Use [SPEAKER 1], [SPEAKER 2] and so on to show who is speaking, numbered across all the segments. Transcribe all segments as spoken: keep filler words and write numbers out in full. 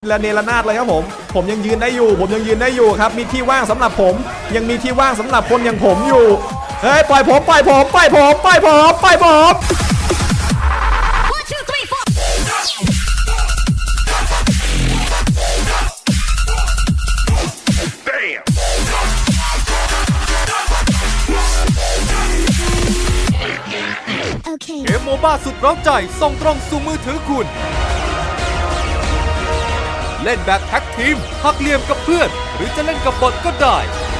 [SPEAKER 1] ระเนระนาดเลยครับผมผมยังยืนได้อยู่ผมยังยืนได้อยู่ครับมีที่ว่างสำหรับผมยังมีที่ว่างสำหรับคนอย่างผมอยู่เฮ้ยปล่อยผมปล่อยผมปล่อยผมปล่อยผมปล่อยผม
[SPEAKER 2] เกมโมบ้าสุดเร้าใจส่งตรงสู่มือถือคุณเล่นแบบแท็กทีมหักเหลี่ยมกับเพื่อนหรือจะเล่นกับบอทก็ได้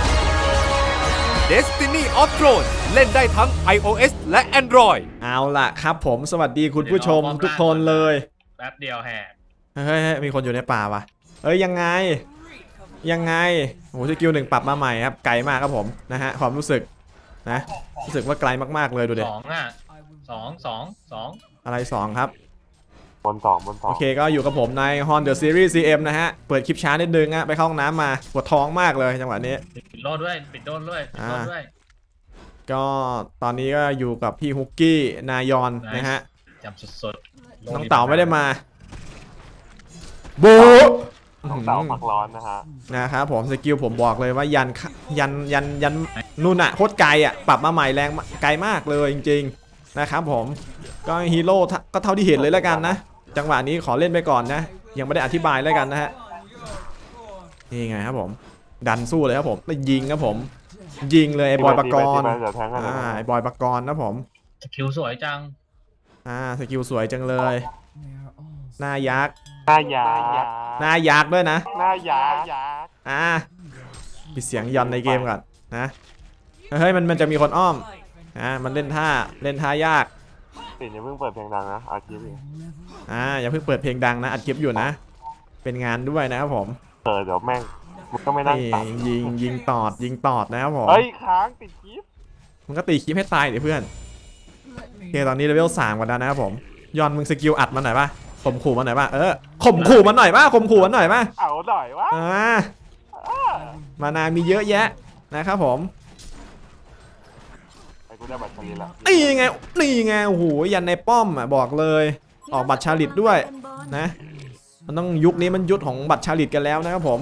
[SPEAKER 2] Destiny of Thrones เล่นได้ทั้ง iOS และ Android
[SPEAKER 1] เอาล่ะครับผมสวัสดีคุณผู้ชมทุกคนเลย
[SPEAKER 3] แป๊บเดียวแหก
[SPEAKER 1] เฮ้ยมีคนอยู่ในป่าวะเอ้ยยังไงยังไงโอ้โหสกิลหนึ่งปรับมาใหม่ครับไกลมากครับผมนะฮะความรู้สึกนะรู้สึกว่าไกลมากๆเลยดูดิ
[SPEAKER 3] สองอ่ะสองสองสอง
[SPEAKER 1] อะไรสองครับ
[SPEAKER 4] บนสองบนสอง
[SPEAKER 1] โอเคก็อยู่กับผมใน Hon The Series ซี เอ็ม นะฮะเปิดคลิปช้านิดนึงอะไปเข้าห้องน้ำมาปวดท้องมากเลยจังหวะนี้
[SPEAKER 3] ปิดโลดด้วยปิดโลดด้วยปิดโลดด้วย
[SPEAKER 1] ก็ตอนนี้ก็อยู่กับพี่ฮุกกี้นายอนนะฮะ
[SPEAKER 3] จำสด
[SPEAKER 1] ๆน้องเต๋าไม่ได้มาโบ
[SPEAKER 4] น้องเต๋าผักร้อนนะฮะ
[SPEAKER 1] นะครับผมสกิลผมบอกเลยว่ายันยันยันยันนู่นอะโคตรไกลอะปรับมาใหม่แรงไกลมากเลยจริงๆนะครับผมก็ฮีโร่ก็เท่าที่เห็นเลยแล้วกันนะจังหวะนี้ขอเล่นไปก่อนนะยังไม่ได้อธิบายแล้วกันนะฮะนี่ไงครับผมดันสู้เลยครับผมแล้วยิงครับผมยิงเลยไอ้บอยปกรณ์อ่าไอ้บอยปกรณ์นะผม
[SPEAKER 3] สกิลสวยจัง
[SPEAKER 1] อ่าสกิลสวยจังเลยหน้ายักษ์
[SPEAKER 4] หน้ายักษ์
[SPEAKER 1] หน้ายักษ์ด้วยนะ
[SPEAKER 4] หน้ายักษ์
[SPEAKER 1] อ่าปิดเสียงยอนในเกมก่อนนะเฮ้ยมันมันจะมีคนอ้อมอ่ามันเล่นท่าเล่นท่ายาก
[SPEAKER 4] ปิดอย่าเพิ่งเปิดเพลงดังนะอัดคลิป
[SPEAKER 1] อ่าอย่าเพิ่งเปิดเพลงดังนะอัดคลิปอยู่นะเป็นงานด้วยนะครับผม
[SPEAKER 4] เออเดี๋ยวแม่งมันก็ไม่นั่งตัด
[SPEAKER 1] ยิงยิงตอดยิงตอดนะครับผม
[SPEAKER 4] เฮ้ยค้างติดคลิป
[SPEAKER 1] มันก็ตีคลิปให้ตายเดี๋ยวเพื่อนโอเคตอนนี้เลเวลสามกันแล้วนะครับผมยอนมึงสกิลอัดมาหน่อยป่ะข่มขู่มาหน่อยป่ะเออข่มขู่มาหน่อยป่ะข่มขู่มาหน่อยป่ะ
[SPEAKER 4] เอาหน่อยวะ
[SPEAKER 1] อ่ามานามีเยอะแยะนะครับผมนี่ไงนี่ไงโอ้โหยันในป้อมอ่ะบอกเลยออกบัตรชาลิตด้วยนะมันต้องยุคนี้มันยุคของบัตรชาลิตกันแล้วนะครับผม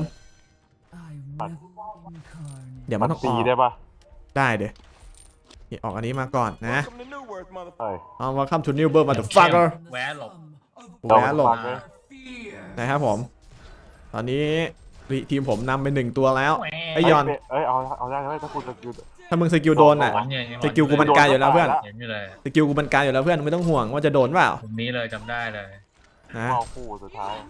[SPEAKER 1] เดี๋ยวมันต้อง
[SPEAKER 4] ตีได้ปะ
[SPEAKER 1] ได้เดี๋ยวออกอันนี้มาก่อนนะเอาว่าคัมทูนิวเบอร์มาเดอะฟักเกอร์
[SPEAKER 3] แหวนหลบ
[SPEAKER 1] แหวนหลบนะครับผมตอนนี้ทีมผมนำไปหนึ่งตัวแล้วไอยอน
[SPEAKER 4] เอ้ยเอาเอาได้ไหมถ้าคุณสกิล
[SPEAKER 1] ถ้ามึงสกิลโดนอ่ะสกิลกูบรรกายอยู่แล้วเพื่อนสกิลกูบรรกายอยู่แล้วเพื่อนไม่ต้องห่วงว่าจะโดนเปล่า
[SPEAKER 3] ตรงนี้เลยจำได้เลย
[SPEAKER 1] นะ
[SPEAKER 4] คู่สุดท้าย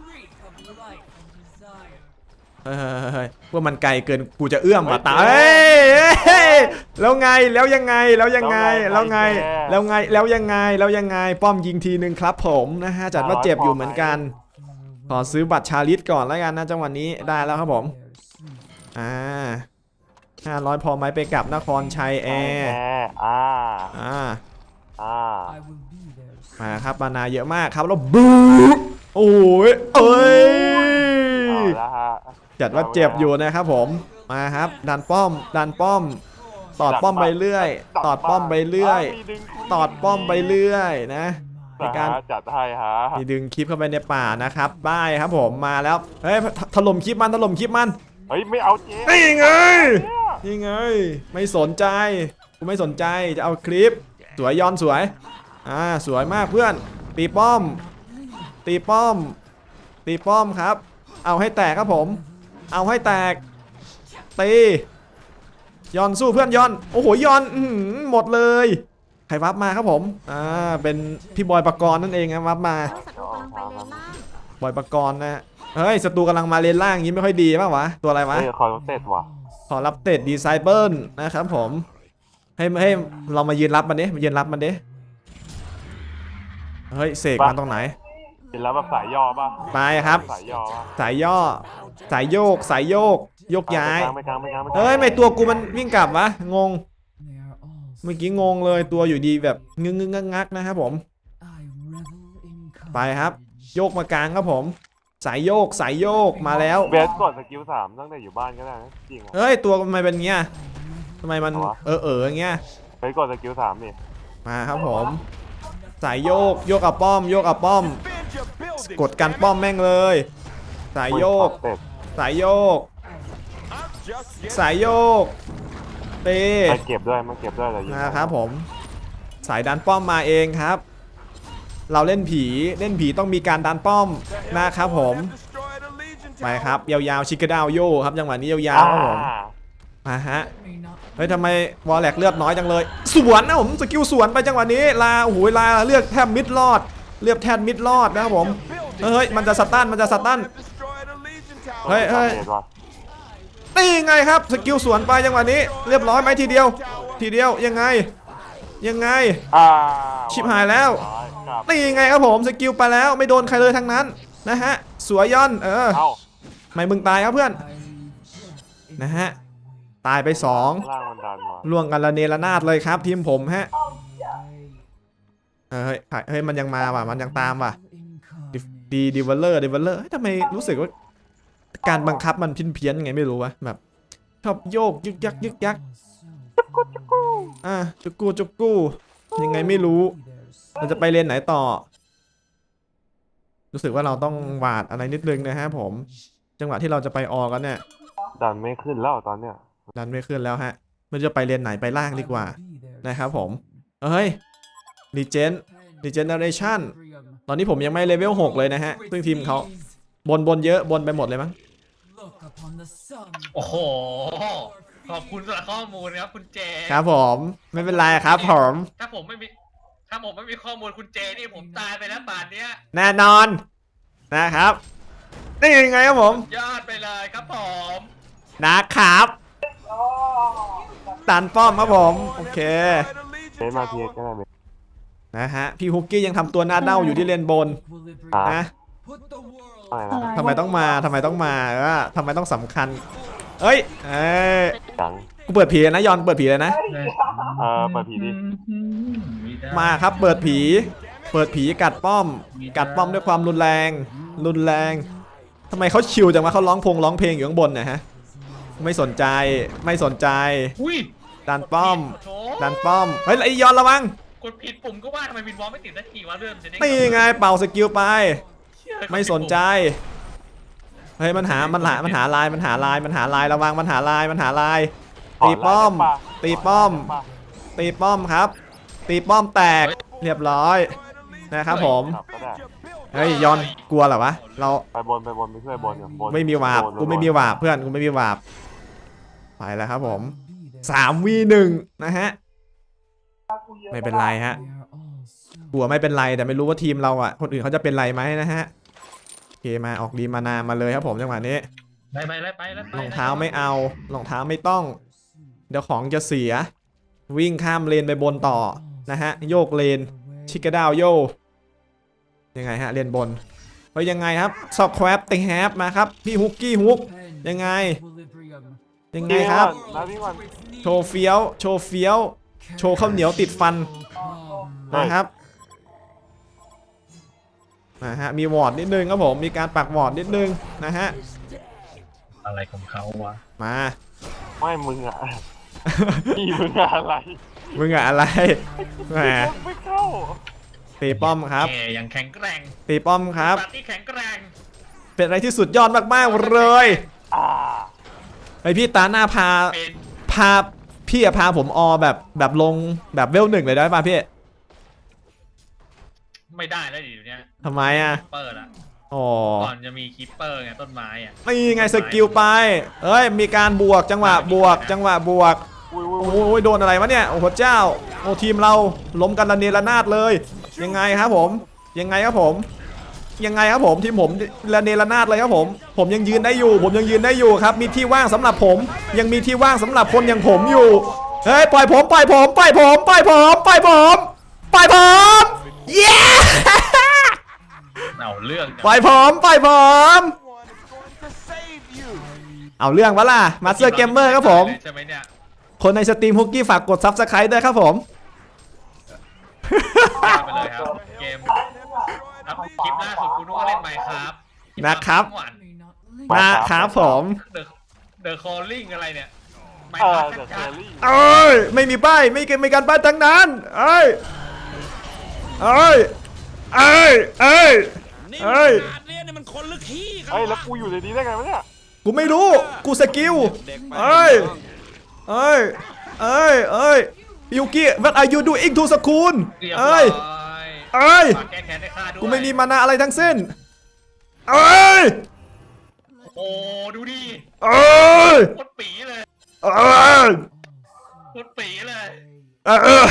[SPEAKER 1] เฮ้ยว่ามันไกลเกินกูจะเอื้อมมาตายแล้วไงแล้วยังไงแล้วยังไงแล้วไงแล้วไงแล้วยังไงแล้วยังไงป้อมยิงทีนึงครับผมนะฮะจัดว่าเจ็บอยู่เหมือนกันขอซื้อบัตรชาลิตก่อนแล้วกันนะจังหวะนี้ได้แล้วครับผมอ่าห้าร้อยพอไหมไปกลับนครชัยแอร์
[SPEAKER 4] อ่า
[SPEAKER 1] อ่า
[SPEAKER 4] อ่า
[SPEAKER 1] มาครับมานาเยอะมากครับแล้วบูโอ้ยเอ้ยจัดว่าเจ็บอยู่นะครับผมมาครับดันป้อมดันป้อมตอดป้อมไปเรื่อยตอดป้อมไปเรื่อยตอดป้อมไปเรื่อยนะในการ
[SPEAKER 4] จัดให้ฮะ
[SPEAKER 1] มีดึงคลิปเข้าไปในป่านะครับได้ครับผมมาแล้วเฮ้ยถล่มคลิปมันถล่มคลิปมัน
[SPEAKER 4] เฮ้ยไม่เอาเจ๊
[SPEAKER 1] นี่ไงนี่ไงไม่สนใจกูไม่สนใจจะเอาคลิปสวยย้อนสวยอ่าสวยมากเพื่อนตีป้อมตีป้อมตีป้อมครับเอาให้แตกครับผมเอาให้แตกตีย้อนสู้เพื่อนย้อนโอ้โหย้อนหมดเลยใครวับมาครับผมอ่าเป็นพี่บอยปกรณ์นั่นเองนะวับมาบอยปกรณ์นะเฮ้ยศัตรูกำลังมาเลนล่างยิ้มไม่ค่อยดีป่าววะตัวอะไรวะ
[SPEAKER 4] ขอรับเตะว่ะ
[SPEAKER 1] ขอรับเตะดีไซเบิลนะครับผมให้ให้เรามายืนรับมันดิมายืนรับมันดิเฮ้ยเสกมันตรงไหน
[SPEAKER 4] เป็นแล้วแบบสายย่อป่ะ
[SPEAKER 1] ไปครับ
[SPEAKER 4] สายย่อ
[SPEAKER 1] สายย่อสายโยกสายโยกยกย้ายเฮ้ยไม่ตัวกูมันวิ่งกลับวะงงเมื่อกี้งงเลยตัวอยู่ดีแบบงึงงึงงักนะครับผมไปครับโยกมากลางครับผมสายโยกสายโยกมาแล้ว
[SPEAKER 4] เบสกดสกิลสามตั้งแต่อยู่บ้านก็ได้จริง
[SPEAKER 1] เฮ้ยตัวทำไมเป็นเงี้ยทำไมมันเออเออเงี้ย
[SPEAKER 4] ไปกดสกิลสามนี่
[SPEAKER 1] มาครับผมสายโยกโยกกับป้อมโยกกับป้อมกดกันป้อมแม่งเลยสายโยก
[SPEAKER 4] เต็ด
[SPEAKER 1] สายโยก สายโยกเต
[SPEAKER 4] มาเก็บด้วยมาเก็บด้วยเลย
[SPEAKER 1] นะครับผมสายดันป้อมมาเองครับ เราเล่นผีเล่นผีต้องมีการดันป้อมนะครับผมไปครับยาวๆชิคกดาวโยครับจังหวะนี้ยาวๆครับผมมาฮะเฮ้ยทำไมวอลแลกเลือดน้อยจังเลยสวนนะผมสกิลสวนไปจังหวะนี้ลาโอ้โหลาเลือกแทบมิดรอดเลือกแทบมิดรอดนะครับผมเฮ้ยมันจะสตันมันจะสตันเฮ้ยเฮ้ยนี่ไงครับสกิลสวนไปจังหวะนี้เรียบร้อยไหมทีเดียวทีเดียวยังไงยังไงชิบหายแล้วนี่ไงครับผมสกิลไปแล้วไม่โดนใครเลยทั้งนั้นนะฮะสวยย่อนเออไม่มึงตายครับเพื่อนนะฮะตายไปสองล่วงกันละเนระนาดเลยครับทีมผมฮะเฮ้ยเฮ้ยมันยังมาว่ะมันยังตามว่ะดีดีเวลเลอร์ดีเวลเลอร์ทำไมรู้สึกว่าการบังคับมันพินเพี้ยนไงไม่รู้วะแบบชอบโยกยึกยักยึกยักอ่ะจุกกูจุกกูยังไงไม่รู้เราจะไปเลนไหนต่อรู้สึกว่าเราต้องหวาดอะไรนิดนึงนะฮะผมจังหวะที่เราจะไปออกกันเนี่ย
[SPEAKER 4] ดันไม่ขึ้นแล้วตอนเนี้ย
[SPEAKER 1] ดันไม่ขึ้นแล้วฮะมันจะไปเลนไหนไปล่างดีกว่านะครับผมเฮ้ยรีเจนรีเจนเนอเรชั่นตอนนี้ผมยังไม่เลเวลหกเลยนะฮะซึ่งทีมเขาบนบนเยอะบนไปหมดเลยมั้ง
[SPEAKER 3] โอ้โหขอบคุณสำหรับข้อมูลครับคุณเจ
[SPEAKER 1] ครับผมไม่เป็นไรครับผม
[SPEAKER 3] ถ้าผมไม่มีถ้าผมไม่มีข้อมูลคุณเจนี่ผมตายไปแล้วป่านเนี้ย
[SPEAKER 1] แน่นอนนะครับนี่ยังไงครับผม
[SPEAKER 3] ยอดไปเลยครับผม
[SPEAKER 1] นะครับตันป้อมครับผมโอเค
[SPEAKER 4] เล่นมาเพียก็ได้ไหม
[SPEAKER 1] นะฮะพี่ฮุกกี้ยังทำตัวหน้าเด้าอยู่ที่เลนบนนะ
[SPEAKER 4] อะไรนะ
[SPEAKER 1] ทำไมต้องมาทำไมต้องมาเออทำไมต้องสำคัญเอ้ยเอ้ย
[SPEAKER 4] จัง
[SPEAKER 1] กูเปิดผีเลยนะยอนเปิดผีเลยนะ
[SPEAKER 4] เออเปิดผีดิ
[SPEAKER 1] มาครับเปิดผีเปิดผีกัดป้อม กัดป้อมด้วยความรุนแรงรุนแรงทำไมเขาชิวจังวะเขาร้องพงร้องเพลงอยู่ข้างบนเนี่ยฮะไม่สนใจไม่สนใจ
[SPEAKER 3] อุ้ย
[SPEAKER 1] ดันป้อม
[SPEAKER 3] โถ
[SPEAKER 1] ดันป้อมเฮ้ยไอยอนระวัง
[SPEAKER 3] กดผิดปุ่มก็ว่าทำไมวินวอลไม่ติดสักทีวะเรื่องจะได้
[SPEAKER 1] นี่ไงเป่าสกิลไป
[SPEAKER 3] เชื่อ
[SPEAKER 1] ไม่สนใจเฮ้ยมันหามันหามันหาลายมันหาลายมันหาลายระวังมันหาลายมันหาลายตีป้อมตีป้อมตีป้อมครับตีป้อมแตกเรียบร้อยนะครับผมเฮ้ยยอนกลัวเหรอวะเรา
[SPEAKER 4] ไปบนไปบนไปช่วยบนบน
[SPEAKER 1] ไม่มีวาบกูไม่มีวาบเพื่อนกูไม่มีวาบไปแล้วครับผมสามวีหนึ่งนะฮะไม่เป็นไรฮะกลัวไม่เป็นไรแต่ไม่รู้ว่าทีมเราอ่ะคนอื่นเขาจะเป็นไรไหมนะฮะโอเคมาออกดีมานามาเลยครับผมจังหวะนี้
[SPEAKER 3] ไปไปไปไปไป
[SPEAKER 1] รองเท้าไม่เอารองเท้าไม่ต้องเดี๋ยวของจะเสียวิ่งข้ามเลนไปบนต่อนะฮะโยกเลนชิคกดาวโยยังไงฮะเลนบนเฮ้ยยังไงครับสอบแควปติงแฮปมาครับพี่ฮุกกี้ฮุกยังไงยังไงครับ
[SPEAKER 4] นะพี่วัน
[SPEAKER 1] โชว์เฟี้ยวโชว์เฟี้ยวโชว์ข้าวเหนียวติดฟันนะครับนะฮะมีวอร์ดนิดนึงครับผมมีการปักวอร์ดนิดนึงนะฮะ
[SPEAKER 3] อะไรของเขาวะ
[SPEAKER 1] มา
[SPEAKER 4] ไม่มึงอ่ะพี่มึงอะอะไร
[SPEAKER 1] มึงอะอะไรแหม
[SPEAKER 4] ไม่เข้า
[SPEAKER 1] ตีป้อมครับ
[SPEAKER 3] แกยังแข็งแกร่ง
[SPEAKER 1] ตีป้อมครับ
[SPEAKER 3] ปาร์ตี้แข็งแกร่ง
[SPEAKER 1] เป็นอะไรที่สุดยอดมากๆเลย
[SPEAKER 4] อ่า
[SPEAKER 1] ไอพี่ตาหน้าพา
[SPEAKER 3] เป็น
[SPEAKER 1] พาพี่อะพาผมออแบบแบบลงแบบเวลหนึ่งเลยได้ป่ะพี่
[SPEAKER 3] ไม่ได้แล้วดิเดี๋ยวนี้
[SPEAKER 1] ทำไมอะ
[SPEAKER 3] เปิดอ่ะ
[SPEAKER 1] อ๋อ
[SPEAKER 3] ก่อนจะมีคิปเปอร์ไงต้นไม้อ่ะ
[SPEAKER 1] นี่ไงสกิลไปเอ้ยมีการบวกจังหวะบวก จังหวะบวก
[SPEAKER 4] อุ้ย
[SPEAKER 1] โอ้ยโดนอะไรวะเนี่ยโอ้โหเจ้าโอ้ทีมเราล้มกันระเนระนาดเลย ยังไงครับผมยังไงครับผมยังไงครับผมทีมผมระเนระนาดเลยครับผมผมยังยืนได้อยู่ ผมยังยืนได้อยู่ครับมีที่ว่างสำหรับผม ยังมีที่ว่างสำหรับคนอย่างผมอยู่เฮ้ยปล่อยผมปล่อยผมปล่อยผมปล่อยผมปล่อยผมปล่อยผมเย้
[SPEAKER 3] เอาเรื่อง
[SPEAKER 1] ปล่อยผมปล่อยผมเอาเรื่องวะล่ะมาสเตอร์เกมเมอร์ครับผม
[SPEAKER 3] ใช่ไหมเนี่ย
[SPEAKER 1] คนในสตรีมฮุกกี้ฝากกดซับสไครต์ด้วยครับผม
[SPEAKER 3] ไปเลยครับเกมครับคลิปล่าสุดกูนึกว่าเล่นไมค์ครับ
[SPEAKER 1] นะครับ นะครับผม
[SPEAKER 3] เดอะเดอะคอลลิ่งอะไรเนี่ยไม
[SPEAKER 4] เอ
[SPEAKER 3] ค์ค
[SPEAKER 4] อ
[SPEAKER 3] รับ
[SPEAKER 4] เดอะเช
[SPEAKER 3] ชั
[SPEAKER 4] อ
[SPEAKER 3] ด
[SPEAKER 4] รี่
[SPEAKER 1] เอ้ยไม่มีป้ายไม่มีการป้ายทั้งนั้นเอ้ยเอ้ยเอ้ยเอ้ยเอ้ย
[SPEAKER 5] นี่มันเรียนเนี่ยมันโคคนลึกขี้กัน
[SPEAKER 4] เฮ้ยแล้วกูอยู่ในนี้ได้ไงวะเนี่ย
[SPEAKER 1] กูไม่รู้กูสกิลเอ้ยเอ้ยเอ้ยเอ้ยยูกิ what are you doing to school
[SPEAKER 3] เรียบร้
[SPEAKER 1] เอ้
[SPEAKER 3] อย ย
[SPEAKER 1] เอ้ย
[SPEAKER 3] ฝากแก้แค้นให้ข้าด้วย
[SPEAKER 1] กูไม่มีมานะอะไรทั้งสิ้นเอ้ย
[SPEAKER 3] โอ้ดูดิ
[SPEAKER 1] เอ้ย
[SPEAKER 3] โคตรปีเลย
[SPEAKER 1] เอ้ย
[SPEAKER 3] โคตรปีเลย
[SPEAKER 1] เออเออ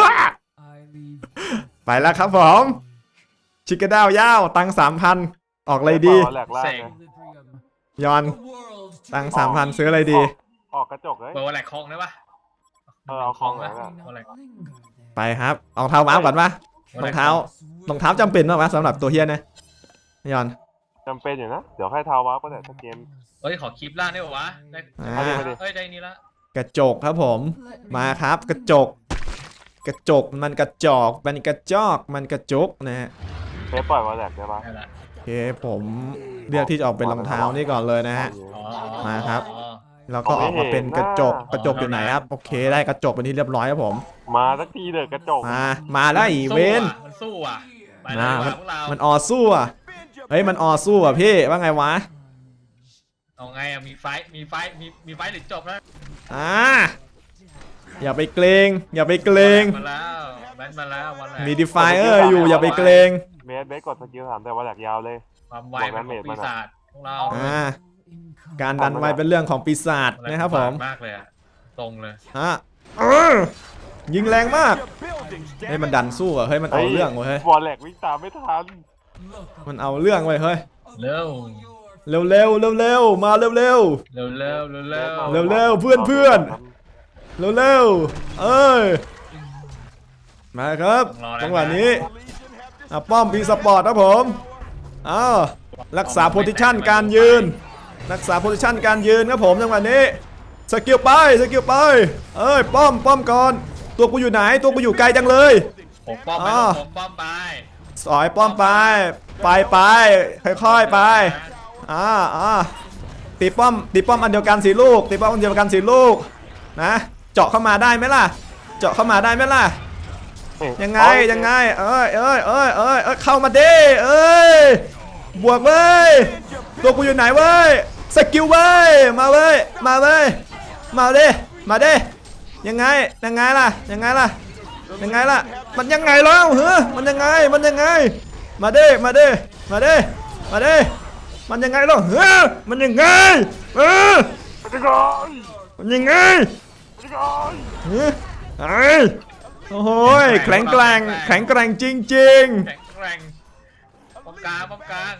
[SPEAKER 1] ไปแล้วครับผมชิคกด้าวยาวตังสามพันออกอะไรดี
[SPEAKER 4] แหลกล่าง
[SPEAKER 3] เซ็ง
[SPEAKER 4] ไง
[SPEAKER 1] ยอนตังสามพันซื้ออะไรดี
[SPEAKER 4] ออกกระจกเลย
[SPEAKER 3] เปิดวันแหลกคลองได้ปะ
[SPEAKER 4] เออเอาของ
[SPEAKER 3] ไหม
[SPEAKER 4] ไหนล่ะ
[SPEAKER 3] วันแหลก
[SPEAKER 1] ไปครับเอาเท้าม้าก่อนปะรองเท้ารองเท้าจำเป็นปะสำหรับตัวเฮียนะยอน
[SPEAKER 4] จำเป็นอยู่นะ เดี๋ยวให้เท้าวาร์ปก็ได้ถ้าเกม
[SPEAKER 3] เฮ้ยขอคลิปล่างได้ปะวะได้
[SPEAKER 1] อ่า
[SPEAKER 4] มาดิมาดิ
[SPEAKER 3] เฮ้ยได้นี่ละ
[SPEAKER 1] กระจกครับผมมาครับกระจก กระจกมันกระจอกมันกระจอกมันกระจกนะฮะ
[SPEAKER 4] เฟซปล่อยวาแหลกได้ปะ
[SPEAKER 3] ได้ละ
[SPEAKER 1] โอเคผมเลือกที่จะออกเป็นรองเท้านี่ก่อนเลยนะฮะ
[SPEAKER 3] อ๋อ
[SPEAKER 1] มาครับ แล้วก็ออกมาเป็นกระจกกระจกอยู่ไหนครับโอเคได้กระจกเป็นที่เรียบร้อยครับผม
[SPEAKER 4] มาสักทีเถอะกระจก
[SPEAKER 1] มามาแล้วอีเวน
[SPEAKER 3] มันสู้อ่ะไป
[SPEAKER 1] นะ
[SPEAKER 3] เลย
[SPEAKER 1] มัน
[SPEAKER 3] พวกเรา
[SPEAKER 1] มันออสู้อ่ะเฮ้ยมันออสู้อ่ะพี่ว่าไงวะ
[SPEAKER 3] เอาไงอ่ะมีไฟท์มีไฟท์มีมีไฟท์หรือจบแล้ว
[SPEAKER 1] อ่าอย่าไปเกรง อย่าไปเกรง
[SPEAKER 3] มาแล้วแบนมาแล้ววันแหลก
[SPEAKER 1] มีดีไฟเออร์อยู่อย่าไปเกรง
[SPEAKER 4] เมสเบสกดสกิลถามแต่วาแหลกยาวเลย
[SPEAKER 3] ความไวเป็นของปีศาจพวกเรา
[SPEAKER 1] อ่าการดันไวเป็นเรื่องของปีศาจนะครับผม
[SPEAKER 3] มากเลยอ่ะตรงเลย
[SPEAKER 1] อ่ะเออยิงแรงมากเฮ้ยมันดันสู้อ่ะเฮ้ยมันเอาเรื่องเว้ยเฮ้ยว
[SPEAKER 4] าแหลกวิ่งตามไม่ทัน
[SPEAKER 1] มันเอาเรื่องเว้ยเฮ้ย
[SPEAKER 3] เร็ว
[SPEAKER 1] เร็วเร็วเร็วเร็วมาเร็วเร็ว
[SPEAKER 3] เร็วเร็วเร็วเร็ว
[SPEAKER 1] เร็วเร็วเพื่อนเพื่อน เร็วเร็วเอ้ยมาครับจังหวะนี้อ่ะป้อมพีสปอร์ตครับผมอ้าวรักษาโพซิชันการยืน รักษาโพซิชันการยืนครับผมจังหวะนี้สกิลไปสกิลไปเอ้ยป้อมป้อมก่อนตัวกูอยู่ไหนตัวกูอยู่ไกลจังเลย
[SPEAKER 3] ผมป้อมไป
[SPEAKER 1] อ่า
[SPEAKER 3] ผมป้อมไป
[SPEAKER 1] สอยป้อมไปไปไปค่อยๆไปอ่าอ่าตีป้อมตีป้อมอันเดียวกันสีลูกตีป้อมอันเดียวกันสีลูกนะเจาะเข้ามาได้ไหมล่ะเจาะเข้ามาได้ไหมล่ะยังไงยังไงเอ้ยเอ้ยเอ้ยเอ้ยเอ้ยเข้ามาดิเอ้ยบวกเว้ยตัวกูอยู่ไหนเว้ยสกิลเว้ยมาเว้ยมาเว้ยมาดิมาดิยังไงยังไงล่ะยังไงล่ะยังไงล่ะมันยังไงแล้วเฮ้ยมันยังไงมันยังไงมาดิมาดิมาดิมาดิมันยังไงแล้วเฮ้ยมันยังไงเออ
[SPEAKER 4] จะก่อน
[SPEAKER 1] มันยังไง
[SPEAKER 4] จะก่อน
[SPEAKER 1] เฮ้ยไอ้โอ้โหแข็งแกร่งแข็งแกร่งจริง
[SPEAKER 3] แข็งแกร่งป้อมกลางป้อมกลาง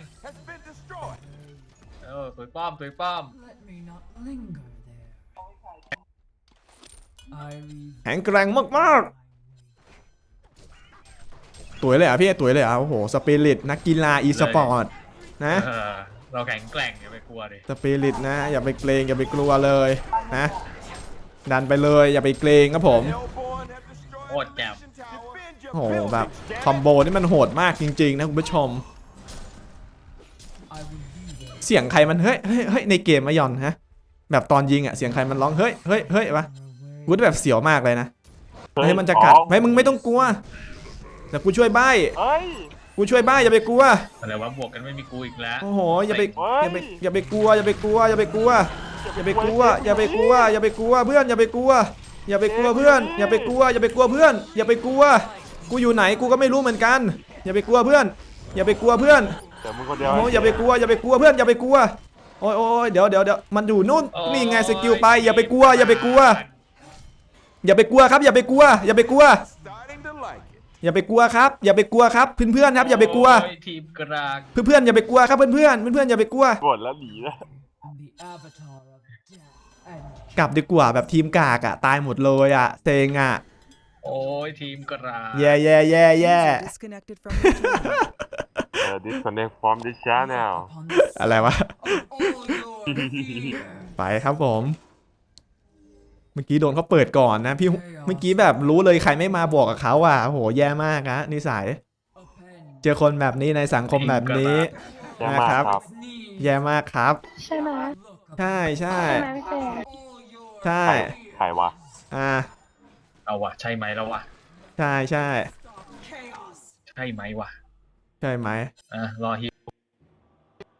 [SPEAKER 3] เออตุยป้อมตุยป้อม
[SPEAKER 6] Let me not linger there. I leave
[SPEAKER 1] ๆแข็งแกร่งมากๆตุ๋ยเลยเหรอ่ะพี่ตุ๋ยเลยเหรอ่ะโอ้โหสปิริตนักกีฬาอีสปอร์ตนะ
[SPEAKER 3] เออเราแข็งแกร่งอย่าไปกลัวดิ
[SPEAKER 1] สปิริตนะอย่าไปเกรงอย่าไปกลัวเลยนะดันไปเลยอย่าไปเกรงครับผม
[SPEAKER 3] โคตรแจ่ม
[SPEAKER 1] โอ้โหแบบคอมโบนี่มันโหดมากจริงๆนะคุณผู้ชม
[SPEAKER 6] I will be there.
[SPEAKER 1] เสียงใครมันเฮ้ยเฮ้ยเฮ้ยในเกมมะยอนฮะแบบตอนยิงอ่ะเสียงใครมันร้องเฮ้ยเฮ้ยเฮ้ยวะกูแบบเสียวมากเลยนะเฮ้ยมันจะกัดเฮ้ยมึงไม่ต้องกลัวเดี๋ยวกูช่วยใบ้
[SPEAKER 4] เฮ้ย
[SPEAKER 1] กูช่วยใบ้อย่าไปกลัว
[SPEAKER 3] อะไรวะบวกกันไม่มีกูอีกแล้ว
[SPEAKER 1] โอ้โหอย่าไป
[SPEAKER 4] เฮ้ย
[SPEAKER 1] อย่าไปอย่าไปกลัวอย่าไปกลัวอย่าไปกลัวอย่าไปกลัวอย่าไปกลัวอย่าไปกลัวเพื่อนอย่าไปกลัวอย่าไปกลัวเพื่อนอย่าไปกลัวอย่าไปกลัวเพื่อนอย่าไปกลัวกูอยู่ไหนกูก็ไม่รู้เหมือนกัน อย่าไปกลัวเพื่อน อย่าไปกลัวเพื่อน
[SPEAKER 4] เดี๋ยวมึงคนเดียว
[SPEAKER 1] โอ้ยอย่าไปกลัวอย่าไปกลัวเพื่อนอย่าไปกลัวโอ้ยโอ้ยเดี๋ยวเดี๋ยวเดี๋ยวมันอยู่นู่นนี่ไงสกิลไปอย่าไปกลัวอย่าไปกลัวอย่าไปกลัวครับอย่าไปกลัวอย่าไปกลัวอย่าไปกลัวครับอย่าไปกลัวครับเพื่อนเพื่อนครับอย่าไปกลัว
[SPEAKER 3] โอ้ยทีมกลาง
[SPEAKER 1] เพื่อนเพื่อนอย่าไปกลัวครับเพื่อนเพื่อนเพื่อนอย่าไปกลัว
[SPEAKER 4] บ่นแล้วหนีแล้ว
[SPEAKER 6] I'm the avatar of death and
[SPEAKER 1] กลับดีกว่าแบบทีมกากอะตายหมดเลยอะเซ็งอะ
[SPEAKER 3] โอ้ยทีมกลาง
[SPEAKER 1] แย่แย่แย่แย่
[SPEAKER 7] Disconnected from your channel.
[SPEAKER 4] เออ disconnect from this channel
[SPEAKER 6] upon the
[SPEAKER 1] อะไรวะ
[SPEAKER 6] all your fear.
[SPEAKER 1] ไปครับผม เมื่อกี้โดนเขาเปิดก่อนนะพี่เมื่อกี้แบบรู้เลยใครไม่มาบอกกับเขาอ่ะโอ้โหแย่มากนะนิสัย
[SPEAKER 6] Append
[SPEAKER 1] เจอคนแบบนี้ในสังคมแบบนี้
[SPEAKER 4] แย่มาก
[SPEAKER 1] นะครับ
[SPEAKER 4] ครับ
[SPEAKER 6] knees.
[SPEAKER 1] แย่มากครับ
[SPEAKER 8] ใช่ไหม
[SPEAKER 1] ใช่ใช่
[SPEAKER 8] ใช่ไหมพี่เจ
[SPEAKER 6] All your
[SPEAKER 1] ใช่
[SPEAKER 4] ใครวะ
[SPEAKER 1] อ่า
[SPEAKER 3] เอาวะใช่ไหมแล้ววะ
[SPEAKER 1] ใช่ใช่
[SPEAKER 6] chaos.
[SPEAKER 3] ใช่ไหมวะ
[SPEAKER 1] ใช่ไหม
[SPEAKER 3] อ่ะรอฮิว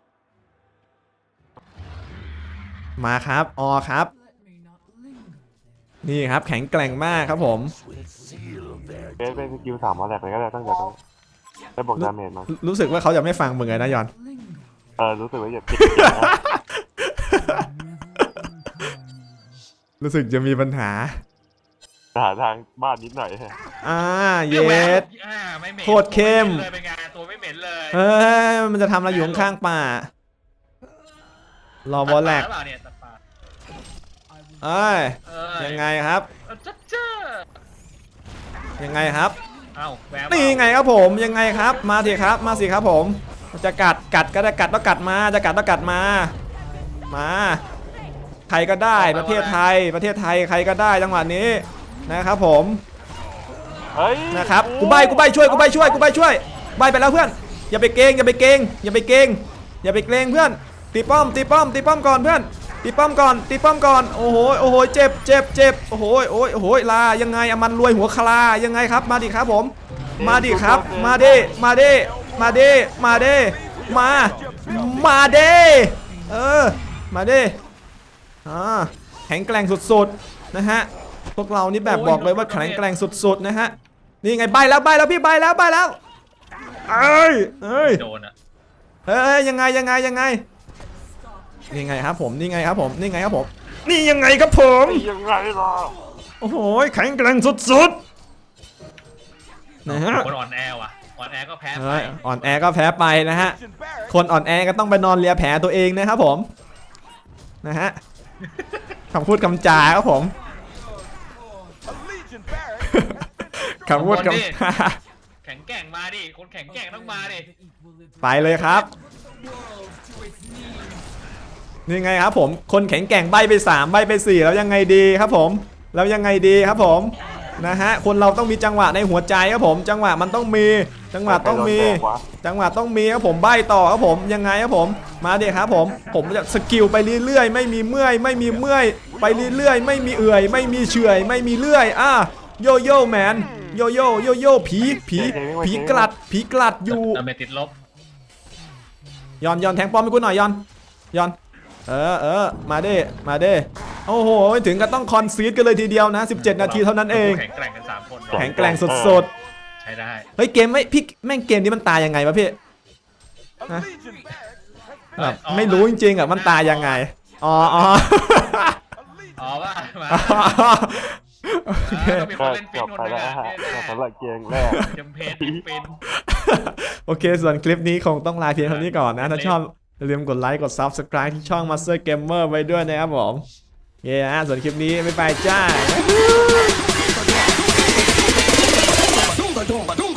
[SPEAKER 1] มาครับออครับ
[SPEAKER 6] Let me not linger there.
[SPEAKER 1] นี่ครับแข็งแกร่งมากครับผม
[SPEAKER 4] เบสเป็นสกิลสามมาแหลกเลยก็ได้ตั้งใจต้องได้บอกดาเมจมา
[SPEAKER 1] รู้สึกว่าเขาจะไม่ฟังมึงเลยนะยอน
[SPEAKER 6] Linger
[SPEAKER 4] เออรู้สึกว่าอย่าติด
[SPEAKER 1] รู้สึกจะมีปัญหา
[SPEAKER 4] หาทางบ้านนิดหน่อย
[SPEAKER 1] อ่าเย
[SPEAKER 3] แหว
[SPEAKER 1] ส
[SPEAKER 3] อ่าไม่เหม็น
[SPEAKER 1] โคตรเข้ม
[SPEAKER 3] เลยเป็นไงตัวไม่เหม็นเลย
[SPEAKER 1] เอ้ยมันจะทำอะไรอยู่ข้างๆป่า รอบอลแลก
[SPEAKER 3] ตัดปาหรือเปล่าเนี่ยตัดปา
[SPEAKER 1] เอ้ย
[SPEAKER 3] เอ้ย
[SPEAKER 1] ยังไงครับ
[SPEAKER 3] เออจ๊ะจ๊ะ
[SPEAKER 1] ยังไงครับ
[SPEAKER 3] เอ้าแวว
[SPEAKER 1] นี่ไงครับผมยังไงครับ มาสิครับมาสิครับผมจะกัดกัดก็ได้กัดต้องกัดมาจะกัดต้องกัดมา มาใครก็ได้ประเทศไทยประเทศไทยใครก็ได้จังหวะนี้นะครับผม
[SPEAKER 4] เฮ้ย
[SPEAKER 1] นะครับกูใบกูใบช่วยกูใบช่วยกูใบช่วยใบไปแล้วเพื่อนอย่าไปเกรงอย่าไปเกรงอย่าไปเกรงอย่าไปเกรงเพื่อนตีป้อมตีป้อมตีป้อมก่อนเพื่อนตีป้อมก่อนตีป้อมก่อนโอ้โหโอ้โหเจ็บเจ็บเจ็บโอ้โหโอ้ยโอ้โหลายังไงอะมันรวยหัวคลายังไงครับมาดิครับผมมาดิครับมาดิมาดิมาดิมาดิมามาดิเออมาดิอ่าแข็งแกร่งสุดๆนะฮะพวกเรานี่แบบบอกเลยว่าแข็งแกร่งสุดๆนะฮะนี่ไงใบแล้วใบแล้วพี่ใบแล้วใบแล้วเอ้ยเอ้ย
[SPEAKER 3] โดนอ่ะ
[SPEAKER 1] เอ้ยยังไงยังไงยังไงนี่ไงครับผมนี่ไงครับผมนี่ไงครับผมนี่ยังไงครับผม
[SPEAKER 4] ยังไงล่ะ
[SPEAKER 1] โอ้โหแข็งแกร่งสุดๆนะฮะ
[SPEAKER 3] คนอ่อนแอว่ะอ่อนแอก็แพ้ไป
[SPEAKER 1] เฮ้ยอ่อนแอก็แพ้ไปนะฮะคนอ่อนแอก็ต้องไปนอนเลียแผลตัวเองนะครับผมนะฮะคำพูดคำจาครับผมคำพูดคำจา
[SPEAKER 3] แข็งแกร่งมาดิคนแข็งแกร่งต้องมาดิ
[SPEAKER 6] the equilibrium
[SPEAKER 1] ไปเลยครับ
[SPEAKER 6] world to its knees.
[SPEAKER 1] นี่ไงครับผมคนแข็งแกร่งใบไปสามใบไปสี่แล้วยังไงดีครับผมแล้วยังไงดีครับผมนะฮะคนเราต้องมีจังหวะในหัวใจครับผมจังหวะมันต้องมีจังหวะต้องมี จังหวะต้องมีครับผมใบต่อครับผมยังไงครับผมมาเด็กครับผมผมจะสกิลไปเรื่อยๆไม่มีเมื่อยไม่มีเมื่อยไปเรื่อยๆไม่มีเอื่อยไม่มีเฉื่อยไม่มีเลื่อยอ่ะโยโย่แมนโยโย่โยโย่ผีผีผีกลัดผีกลัดอยู่
[SPEAKER 3] ดาเมจติดลบ
[SPEAKER 1] ยอนยอนแทงป้อมให้กูหน่อยยอนยอนเออเออมาเด้มาเด้โอ้โหถึงก็ต้องคอนซีดกันเลยทีเดียวนะสิบเจ็ดนาทีเท่านั้นเอง
[SPEAKER 3] แข็งแกร่งกันสามคน
[SPEAKER 1] แข็งแกร่งสุด
[SPEAKER 3] ใช้ได้
[SPEAKER 1] ๆเฮ้ยเกมไม่พี่แม่งเกมนี้มันตายยังไงวะพี่นะแบบไม่รู้จริงๆอ่ะมันตายยังไงอ๋ออ๋อ
[SPEAKER 3] อ๋อว่ามา
[SPEAKER 1] โอเค
[SPEAKER 3] ต้องมีค
[SPEAKER 4] ก็
[SPEAKER 3] นเล่นฟิ
[SPEAKER 4] จ
[SPEAKER 3] น
[SPEAKER 4] บ
[SPEAKER 3] คน
[SPEAKER 4] ไป
[SPEAKER 3] หนึง
[SPEAKER 4] แล้ว
[SPEAKER 3] อ่ะ
[SPEAKER 4] ฮะ
[SPEAKER 3] แน่
[SPEAKER 4] สำหรับเกมแรก
[SPEAKER 3] ๆจำเพจฟิน
[SPEAKER 1] โอเคส่วนคลิปนี้คงต้องลาเพียงเท่านี้ก่อนนะถ้าชอบอย่าลืมกดไลค์กด Subscribe ที่ช่อง Master Gamer ไว้ด้วยนะครับผมเย้ฮะส่วนคลิปนี้บ๊ายบายจ้า
[SPEAKER 5] Badum, badum, badum.